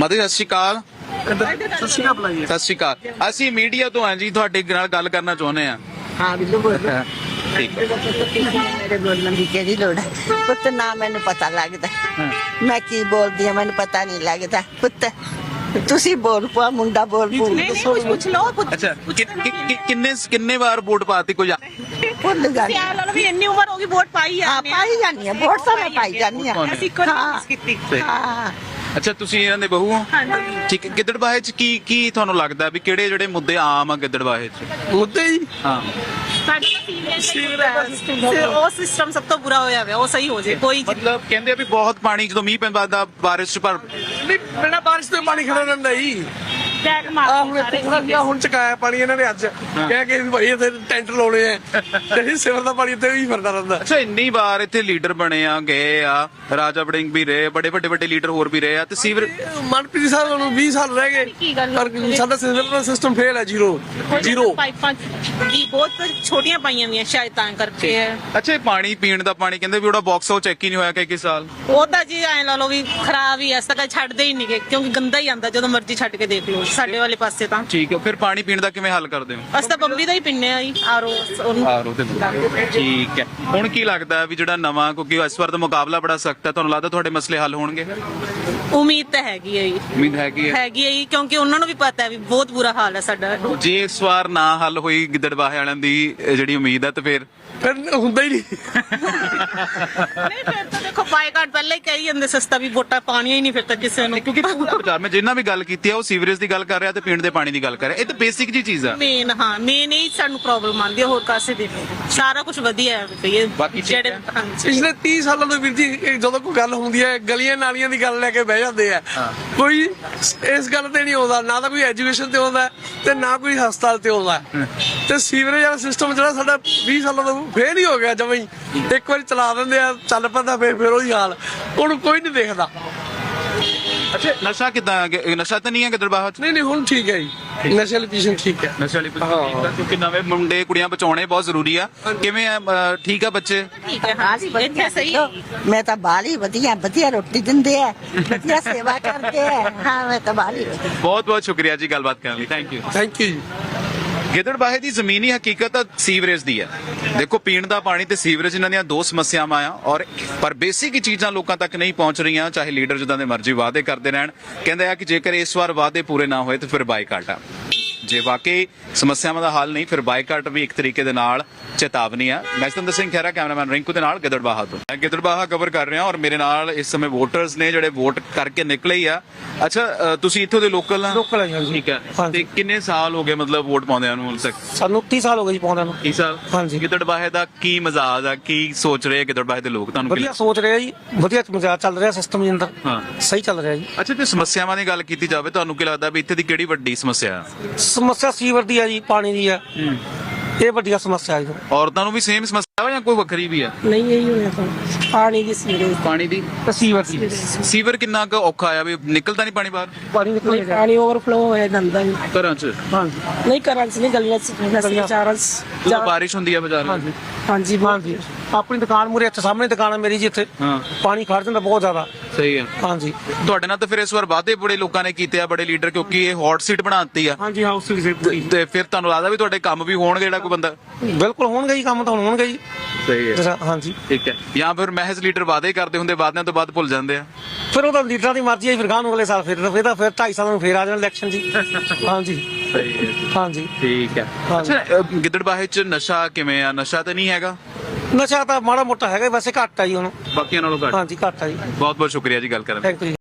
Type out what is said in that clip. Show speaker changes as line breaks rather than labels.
ਮਾਤਾ ਜੀ ਸਤਿ ਸ਼੍ਰੀ ਅਕਾਲ।
ਸਤਿ ਸ਼੍ਰੀ ਅਕਾਲ ਬੁਲਾਈਏ।
ਸਤਿ ਸ਼੍ਰੀ ਅਕਾਲ। ਅਸੀਂ ਮੀਡੀਆ ਤੋਂ ਹਾਂ ਜੀ, ਤੁਹਾਡੇ ਨਾਲ ਗੱਲ ਕਰਨਾ ਚਾਹੁੰਦੇ ਹਾਂ।
हाँ बिल्लू बोल
ਠੀਕ ਹੈ।
मेरे बोलने की केड़ी लोड़ है पुत्त ना मैनू पता लगता मैं की बोलदी हां मैनू पता नहीं लगता पुत्त तुसी बोल पा मुंडा बोल पू
कुछ लो
ਅੱਛਾ ਕਿੰਨੇ ਵਾਰ ਵੋਟ ਪਾਤੀ ਕੋਈ
भुल गई
ਸਿਆਲ ਵਾਲਾ ਵੀ ਇੰਨੀ ਉਮਰ ਹੋ ਗਈ ਵੋਟ ਪਾਈ ਆ
हां पाई जानी है वोट तो मैं पाई जानी है
ਅਸੀਂ ਕੋਈ ਨਹੀਂ ਕੀਤੀ
हां
ਅੱਛਾ ਤੁਸੀਂ ਇਹਨਾਂ ਦੇ ਬਹੂ ਹੋ?
ਹਾਂਜੀ
ਠੀਕ ਹੈ। ਗਿੱਦੜਬਾਹੇ ਚ ਕੀ ਤੁਹਾਨੂੰ ਲੱਗਦਾ ਵੀ ਕਿਹੜੇ ਜਿਹੜੇ ਮੁੱਦੇ ਆਮ ਆ ਗਿੱਦੜਬਾਹੇ ਚ?
ਮੁੱਦੇ ਹੀ
ਹਾਂ
ਸਾਡੇ ਤਾਂ ਸੀਵਰੇਜ ਉਹ ਸਿਸਟਮ ਸਭ ਤੋਂ ਬੁਰਾ ਹੋਇਆ ਹੋਇਆ ਉਹ ਸਹੀ ਹੋ ਜੇ ਕੋਈ
ਮਤਲਬ ਕਹਿੰਦੇ ਆ ਵੀ ਬਹੁਤ ਪਾਣੀ ਜਦੋਂ ਮੀਂਹ ਪੈਂਦਾ ਦਾ ਬਾਰਿਸ਼ ਚ ਪਰ
ਨਹੀਂ ਬਿਨਾਂ ਬਾਰਿਸ਼ ਤੋਂ ਪਾਣੀ ਖੜਾ ਰਹਿੰਦਾ ਜੀ।
ਬੈਗ
ਆ
ਮਾਰ
ਹੁਣ ਇੱਥੇ ਥੋੜਾ ਜਿਹਾ ਹੁਣ ਚਕਾਇਆ ਪਾਣੀ ਇਹਨਾਂ ਨੇ ਅੱਜ ਕਹਿ ਕੇ ਵੀ ਭਾਈ ਇੱਥੇ ਟੈਂਟ ਲਾਉਣੇ ਆ ਤੇ ਸਿਵਰ ਦਾ ਪਾਣੀ ਇੱਥੇ ਵੀ ਫਿਰਦਾ ਰਹਿੰਦਾ।
ਅੱਛਾ ਇੰਨੀ ਵਾਰ ਇੱਥੇ ਲੀਡਰ ਬਣੇ ਆ ਗਏ ਆ, ਰਾਜਾ ਵੜਿੰਗ ਵੀ ਰਹੇ, ਬੜੇ ਵੱਡੇ ਵੱਡੇ ਲੀਡਰ ਹੋਰ ਵੀ ਰਹੇ ਆ ਤੇ ਸੀਵਰ
ਮਨਪ੍ਰੀਤ ਸਾਹਿਬ ਨੂੰ 20 ਸਾਲ ਰਹਿ ਗਏ
ਕੀ ਗੱਲ
ਪਰ ਸਾਡਾ ਸਿਵਰ ਦਾ ਸਿਸਟਮ ਫੇਲ ਹੈ ਜ਼ੀਰੋ।
ਪਾਈਪਾਂ ਦੀ ਬਹੁਤ ਛੋਟੀਆਂ ਪਾਈਆਂ ਵੀਆਂ ਸ਼ਾਇਦ ਤਾਂ ਕਰਕੇ ਹੈ।
ਅੱਛਾ ਇਹ ਪਾਣੀ ਪੀਣ ਦਾ ਪਾਣੀ ਕਹਿੰਦੇ ਵੀ ਉਹਦਾ ਬਾਕਸ ਉਹ ਚੈੱਕ ਹੀ ਨਹੀਂ ਹੋਇਆ ਕਈ ਸਾਲ।
ਉਹ ਤਾਂ ਜੀ ਐ ਲਾ ਲਓ ਵੀ ਖਰਾਬ ਹੀ ਐ, ਐਸਾ ਕਦੇ ਛੱਡਦੇ ਹੀ ਨਹੀਂਗੇ ਕਿਉਂਕਿ ਗੰਦਾ ਹੀ ਆਂਦਾ ਜਦੋਂ ਮਰਜ਼ੀ ਛੱਡ ਕੇ ਦੇਖ ਲਓ ਸਾਡੇ ਵਾਲੇ ਪਾਸੇ ਤਾਂ।
ਠੀਕ ਹੈ। ਫਿਰ ਪਾਣੀ ਪੀਣ ਦਾ ਕਿਵੇਂ ਹੱਲ ਕਰਦੇ ਹੋ?
ਅਸੀਂ ਤਾਂ ਬੰਬੀ ਦਾ ਹੀ ਪੀਂਦੇ ਆ ਜੀ ਆਰੋ ਉਹਨੂੰ।
ਆਰੋ ਤੇ ਠੀਕ ਹੈ। ਹੁਣ ਕੀ ਲੱਗਦਾ ਵੀ ਜਿਹੜਾ ਨਵਾਂ, ਕਿਉਂਕਿ ਇਸ ਵਾਰ ਦਾ ਮੁਕਾਬਲਾ ਬੜਾ ਸਖਤ ਹੈ, ਤੁਹਾਨੂੰ ਲੱਗਦਾ ਤੁਹਾਡੇ ਮਸਲੇ ਹੱਲ ਹੋਣਗੇ?
ਉਮੀਦ ਤਾਂ ਹੈਗੀ ਹੈ ਜੀ
ਉਮੀਦ ਹੈਗੀ ਹੈ
ਹੈਗੀ ਹੈ ਜੀ ਕਿਉਂਕਿ ਉਹਨਾਂ ਨੂੰ ਵੀ ਪਤਾ ਹੈ ਵੀ ਬਹੁਤ ਬੁਰਾ ਹਾਲ ਹੈ ਸਾਡਾ।
ਜੇ ਇਸ ਵਾਰ ਨਾ ਹੱਲ ਹੋਈ ਗਿੱਦੜਬਾਹੇ ਵਾਲਿਆਂ ਦੀ ਜਿਹੜੀ ਉਮੀਦ ਹੈ ਤੇ ਫਿਰ
ਹੁੰਦਾ ਹੀ ਨਹੀਂ।
ਨਹੀਂ ਫਿਰ ਤਾਂ ਦੇਖੋ ਬਾਈਕਾਟ ਪਹਿਲਾਂ ਹੀ ਕਹੀ ਜਾਂਦੇ ਸਸਤਾ ਵੀ ਵੋਟਾਂ ਪਾਣੀਆਂ ਹੀ ਨਹੀਂ ਫਿਰ ਤਾਂ ਕਿਸੇ ਨੂੰ।
ਕਿਉਂਕਿ ਬਾਜ਼ਾਰ ਮੈਂ ਜਿੰਨਾ ਵੀ ਗੱਲ ਕੀਤੀ ਹੈ ਉਹ ਸੀਵਰੇਜ ਦੀ ਗੱਲ ਕਰ ਰਿਹਾ ਤੇ ਪੀਣ ਦੇ ਪਾਣੀ ਦੀ ਗੱਲ ਕਰ ਰਿਹਾ। ਇਹ ਤਾਂ ਬੇਸਿਕ ਜੀ ਚੀਜ਼ ਆ।
ਮੇਨ ਹੀ ਸਾਨੂੰ ਪ੍ਰੋਬਲਮ ਆਉਂਦੀ ਹੈ, ਹੋਰ ਕਾਸੇ ਦੀ ਨਹੀਂ। ਸਾਰਾ ਕੁਝ ਵਧੀਆ ਹੈ ਭਈ
ਬਾਕੀ ਠੀਕ
ਜਿਹੜੇ
ਹੈ।
ਹਾਂਜੀ।
ਪਿਛਲੇ 30 ਸਾਲਾਂ ਤੋਂ ਵੀਰ ਜੀ ਇਹ ਜਦੋਂ ਕੋਈ ਗੱਲ ਹੁੰਦੀ ਹੈ ਗਲੀਆਂ ਨਾਲੀਆਂ ਦੀ ਗੱਲ ਲੈ ਕੇ ਬਹਿ ਜਾਂਦੇ ਆ। ਕੋਈ ਇਸ ਗੱਲ ਤੇ ਨਹੀਂ ਆਉਂਦਾ, ਨਾ ਤਾਂ ਕੋਈ ਐਜੂਕੇਸ਼ਨ ਤੇ ਆਉਂਦਾ ਤੇ ਨਾ ਕੋਈ ਹਸਪਤਾਲ ਤੇ ਆਉਂਦਾ। ਤੇ ਸੀਵਰੇਜ ਵਾਲਾ ਸਿਸਟਮ ਜਿਹੜਾ ਸਾਡਾ 20 ਸਾਲਾਂ ਤੋਂ ਫੇਲ ਹੀ ਹੋ ਗਿਆ ਜਮਾਂ ਹੀ। ਇੱਕ ਵਾਰੀ ਚਲਾ ਦਿੰਦੇ ਆ, ਚੱਲ ਪੈਂਦਾ, ਫਿਰ ਉਹੀ ਹਾਲ, ਉਹਨੂੰ ਕੋਈ ਨਹੀਂ ਦੇਖਦਾ।
ਅੱਛਾ ਨਸ਼ਾ ਕਿਦਾਂ? ਨਸ਼ਾ ਤਾਂ ਨਹੀਂ ਹੈ ਗਿੱਦੜਬਾਹੇ ਚ?
ਨਹੀਂ ਹੁਣ ਠੀਕ ਹੈ ਜੀ, ਨਸ਼ੇ ਵਾਲੀ ਪੀਸ਼ਨ ਠੀਕ ਹੈ।
ਨਸ਼ੇ ਵਾਲੀ ਕਿਉਂਕਿ ਨਵੇਂ ਮੁੰਡੇ ਕੁੜੀਆਂ ਬਚਾਉਣੇ ਬਹੁਤ ਜ਼ਰੂਰੀ ਆ। ਕਿਵੇਂ ਆ? ਠੀਕ ਆ ਬੱਚੇ?
ਠੀਕ ਹੈ ਹਾਂ ਇੱਥੇ ਸਹੀ ਹੈ।
मैं तो बाली बढ़िया रोटी दिंदे है बढ़िया सेवा करते है हाँ मैं तो बाली
ਬਹੁਤ ਬਹੁਤ ਸ਼ੁਕਰੀਆ ਜੀ ਗੱਲਬਾਤ ਕਰਨ ਲਈ। Thank you.
ਥੈਂਕ ਯੂ ਜੀ।
ਗਿੱਦੜਬਾਹੇ ਦੀ ਜ਼ਮੀਨੀ ਹਕੀਕਤ ਤਾਂ ਸੀਵਰੇਜ ਦੀ ਹੈ। ਦੇਖੋ ਪੀਣ ਦਾ ਪਾਣੀ ਤੇ ਸੀਵਰੇਜ ਇਹਨਾਂ ਦੀਆਂ ਦੋ ਸਮੱਸਿਆਵਾਂ ਆ ਔਰ ਪਰ ਬੇਸਿਕ ਚੀਜ਼ਾਂ ਲੋਕਾਂ ਤੱਕ ਨਹੀਂ ਪਹੁੰਚ ਰਹੀਆਂ, ਚਾਹੇ ਲੀਡਰ ਜਿੱਦਾਂ ਦੇ ਮਰਜ਼ੀ ਵਾਅਦੇ ਕਰਦੇ ਰਹਿਣ। ਕਹਿੰਦੇ ਆ ਕਿ ਜੇਕਰ ਇਸ ਵਾਰ ਵਾਅਦੇ ਪੂਰੇ ਨਾ ਹੋਏ ਤਾਂ ਫਿਰ ਬਾਈਕਾਟ ਆ। ਜੇ ਵਾਕਈ ਸਮੱਸਿਆਵਾਂ ਦਾ ਹੱਲ ਨਹੀਂ ਫਿਰ ਬਾਈਕਾਟ ਵੀ ਇੱਕ ਤਰੀਕੇ ਦੇ ਨਾਲ ਚੇਤਾਵਨੀ ਆ। ਮੈਂ ਸਤਿੰਦਰ ਸਿੰਘ ਖਹਿਰਾ, ਕੈਮਰਾਮੈਨ ਰਿੰਕੂ ਦੇ ਨਾਲ ਗਿੱਦੜਬਾਹਾ ਤੋਂ। ਮੈਂ ਗਿੱਦੜਬਾਹਾ ਕਵਰ ਕਰ ਰਿਹਾ ਔਰ ਮੇਰੇ ਨਾਲ ਇਸ ਸਮੇਂ ਵੋਟਰਸ ਨੇ ਜਿਹੜੇ ਵੋਟ ਕਰਕੇ ਨਿਕਲੇ ਹੀ ਆ। ਅੱਛਾ ਤੁਸੀਂ ਇੱਥੋਂ ਦੇ ਲੋਕਲ ਆ?
ਲੋਕਲ ਆ ਜੀ, ਹਾਂਜੀ।
ਠੀਕ ਹੈ।
ਹਾਂਜੀ।
ਤੇ ਕਿੰਨੇ ਸਾਲ ਹੋ ਗਏ ਮਤਲਬ ਵੋਟ ਪਾਉਂਦਿਆਂ ਨੂੰ ਹੁਣ ਤੱਕ?
ਸਾਨੂੰ 30 ਸਾਲ ਹੋ ਗਏ ਜੀ ਪਾਉਂਦਿਆਂ ਨੂੰ।
30 ਸਾਲ।
ਹਾਂਜੀ।
ਗਿੱਦੜਬਾਹੇ ਦਾ ਕੀ ਮਜ਼ਾਜ ਆ? ਕੀ ਸੋਚ ਰਹੇ ਗਿੱਦੜਬਾਹੇ ਦੇ ਲੋਕ? ਤੁਹਾਨੂੰ ਕੀ
ਵਧੀਆ ਸੋਚ ਰਿਹਾ ਜੀ, ਵਧੀਆ ਮਜ਼ਾਕ ਚੱਲ ਰਿਹਾ ਸਿਸਟਮ ਦੇ ਅੰਦਰ।
ਹਾਂ।
ਸਹੀ ਚੱਲ ਰਿਹਾ ਜੀ।
ਅੱਛਾ ਤੇ ਸਮੱਸਿਆਵਾਂ ਦੀ ਗੱਲ ਕੀਤੀ ਜਾਵੇ, ਤੁਹਾਨੂੰ ਕੀ ਲੱਗਦਾ ਵੀ ਇੱਥੇ ਦੀ ਕਿਹੜੀ ਵੱਡੀ ਸਮੱਸਿਆ ਆ?
ਸਮੱਸਿਆ ਸੀਵਰ ਦੀ ਆ ਜੀ, ਪਾਣੀ ਦੀ ਆ। ਇਹ ਵੱਡੀ ਸਮੱਸਿਆ ਹੈ।
ਔਰਤਾਂ ਨੂੰ ਵੀ ਸੇਮ ਸਮੱਸਿਆ ਵਾ ਜਾਂ ਕੋਈ ਵੱਖਰੀ ਵੀ ਆ?
नहीं यही होया था पानी की सीवरेज
ਪਾਣੀ ਦੀ?
ਸੀਵਰ ਦੀ
ਸੀਵਰ ਕਿੰਨਾ ਕੁ ਔਖਾ ਆ ਵੀ ਨਿਕਲਦਾ ਨਹੀਂ ਪਾਣੀ ਬਾਹਰ
ਪਾਣੀ ਨਿਕਲ ਗਿਆ।
पानी ओवरफ्लो होया गंदा
ਘਰਾਂ 'ਚ?
नहीं करन से नहीं गलियां से चारन
ਜਦੋਂ ਬਾਰਿਸ਼ ਹੁੰਦੀ ਆ ਬਾਜ਼ਾਰ ਵਿੱਚ?
हाँ जी
ਹਾਂਜੀ ਆਪਣੀ ਦੁਕਾਨ ਮੂਰੇ ਇੱਥੇ ਸਾਹਮਣੇ ਦੁਕਾਨ ਹੈ ਮੇਰੀ ਜੀ, ਇੱਥੇ
ਹਾਂ
ਪਾਣੀ ਖੜ ਜਾਂਦਾ ਬਹੁਤ ਜ਼ਿਆਦਾ।
ਸਹੀ ਆ।
ਹਾਂਜੀ
ਤੁਹਾਡੇ ਨਾਲ ਤਾਂ ਫਿਰ ਇਸ ਵਾਰ ਵਾਅਦੇ ਬੜੇ ਲੋਕਾਂ ਨੇ ਕੀਤੇ ਆ, ਬੜੇ ਲੀਡਰ, ਕਿਉਂਕਿ ਇਹ ਹੌਟ ਸੀਟ ਬਣਾਤੀ ਆ।
ਹਾਂਜੀ ਹਾਊਸ ਦੀ
ਤੇ ਫਿਰ ਤੁਹਾਨੂੰ ਲੱਗਦਾ ਵੀ ਤੁਹਾਡੇ ਕੰਮ ਵੀ ਹੋਣਗੇ ਜਿਹੜਾ ਕੋਈ ਬੰਦਾ?
ਬਿਲਕੁਲ ਹੋਣਗੇ ਜੀ, ਕੰਮ ਤਾਂ ਹੁਣ ਹੋਣਗੇ ਜੀ।
ਸਹੀ
ਹਾਂਜੀ
ਠੀਕ ਹੈ। ਜਾਂ ਫਿਰ ਮਹਿਜ਼ ਲੀਡਰ ਵਾਅਦੇ ਕਰਦੇ ਹੁੰਦੇ, ਵਾਅਦਿਆਂ ਤੋਂ ਬਾਅਦ ਭੁੱਲ ਜਾਂਦੇ ਆ?
ਫਿਰ ਉਹ ਤਾਂ ਲੀਡਰਾਂ ਦੀ ਮਰਜ਼ੀ ਹੈ, ਫਿਰ ਗਾਂ ਨੂੰ ਅਗਲੇ ਸਾਲ ਫਿਰ 2.5 ਸਾਲਾਂ ਨੂੰ ਫਿਰ ਆ ਜਾਣਾ ਇਲੈਕਸ਼ਨ ਜੀ। ਹਾਂਜੀ
ਸਹੀ ਹੈ।
ਹਾਂਜੀ
ਠੀਕ ਹੈ।
ਹਾਂਜੀ।
ਅੱਛਾ ਗਿੱਦੜਬਾਹੇ 'ਚ ਨਸ਼ਾ ਕਿਵੇਂ ਆ? ਨਸ਼ਾ ਤਾਂ ਨਹੀਂ ਹੈਗਾ?
ਨਸ਼ਾ ਤਾਂ ਮਾੜਾ ਮੋਟਾ ਹੈਗਾ, ਵੈਸੇ ਘੱਟ ਆ ਜੀ ਹੁਣ,
ਬਾਕੀਆਂ ਨਾਲੋਂ ਘੱਟ?
ਹਾਂਜੀ ਘੱਟ ਆ ਜੀ।
ਬਹੁਤ ਬਹੁਤ ਸ਼ੁਕਰੀਆ ਜੀ ਗੱਲ ਕਰਨ ਲਈ।
Thank you.